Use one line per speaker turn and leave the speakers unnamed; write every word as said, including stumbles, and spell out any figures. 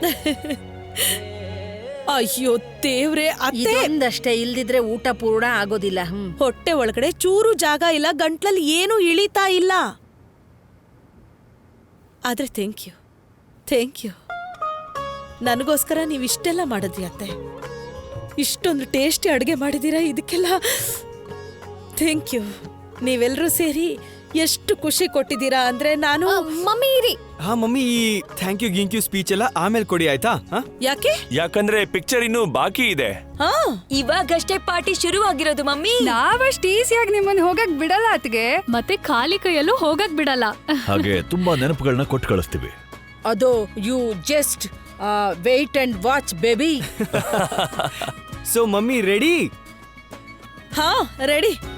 ಅಯ್ಯೋ ದೇವ್ರೆ, ಅತ್ತೆ
ಇದೊಂದಷ್ಟೇ, ಇಲ್ದಿದ್ರೆ ಊಟ ಪೂರ್ಣ ಆಗೋದಿಲ್ಲ. ಹ್ಮ್
ಹೊಟ್ಟೆ ಒಳಗಡೆ ಚೂರು ಜಾಗ ಇಲ್ಲ, ಗಂಟ್ಲಲ್ಲಿ ಏನೂ ಇಳಿತಾ ಇಲ್ಲ. ಆದ್ರೆ ಥ್ಯಾಂಕ್ ಯು ಥ್ಯಾಂಕ್ ಯು ನನಗೋಸ್ಕರ ನೀವು ಇಷ್ಟೆಲ್ಲ ಮಾಡಿದ್ರಿ ಅತ್ತೆ. ಇಷ್ಟೊಂದು ಟೇಸ್ಟಿ ಅಡುಗೆ ಮಾಡಿದ್ದೀರಾ, ಇದಕ್ಕೆಲ್ಲ ಥ್ಯಾಂಕ್ ಯು. ನೀವೆಲ್ಲರೂ ಸೇರಿ ಎಷ್ಟು ಖುಷಿ ಕೊಟ್ಟಿದ್ದೀರಾ ಅಂದ್ರೆ ನಾನು
ಮಮ್ಮಿ ಇರಿ.
ಹಾ ಮಮ್ಮಿ, ಈ ಥ್ಯಾಂಕ್ ಯು ಗಿಂಕ್ ಯು ಸ್ಪೀಚ್ ಎಲ್ಲ ಆಮೇಲೆ ಕೊಡಿ ಆಯ್ತಾ?
ಯಾಕೆ?
ಯಾಕಂದ್ರೆ ಪಿಕ್ಚರ್ ಇನ್ನೂ ಬಾಕಿ ಇದೆ.
ಹಾ,
ಇವಾಗಷ್ಟೇ ಪಾರ್ಟಿ ಶುರು ಆಗಿರೋದು ಮಮ್ಮಿ.
ನಾವಷ್ಟು ಈಸಿಯಾಗಿ ನಿಮ್ಮನ್ನ ಹೋಗಕ್ ಬಿಡಲ್ಲ ಅತ್ಗೆ.
ಮತ್ತೆ ಖಾಲಿ ಕೈಯಲ್ಲೂ ಹೋಗಕ್ ಬಿಡಲ್ಲ.
ಹಾಗೆ ತುಂಬಾ ನೆನಪುಗಳನ್ನ ಕೊಟ್ಟು ಕಳಿಸ್ತೀವಿ.
ಅದು you just wait and watch baby.
So mummy ready?
ಹಾ ರೆಡಿ.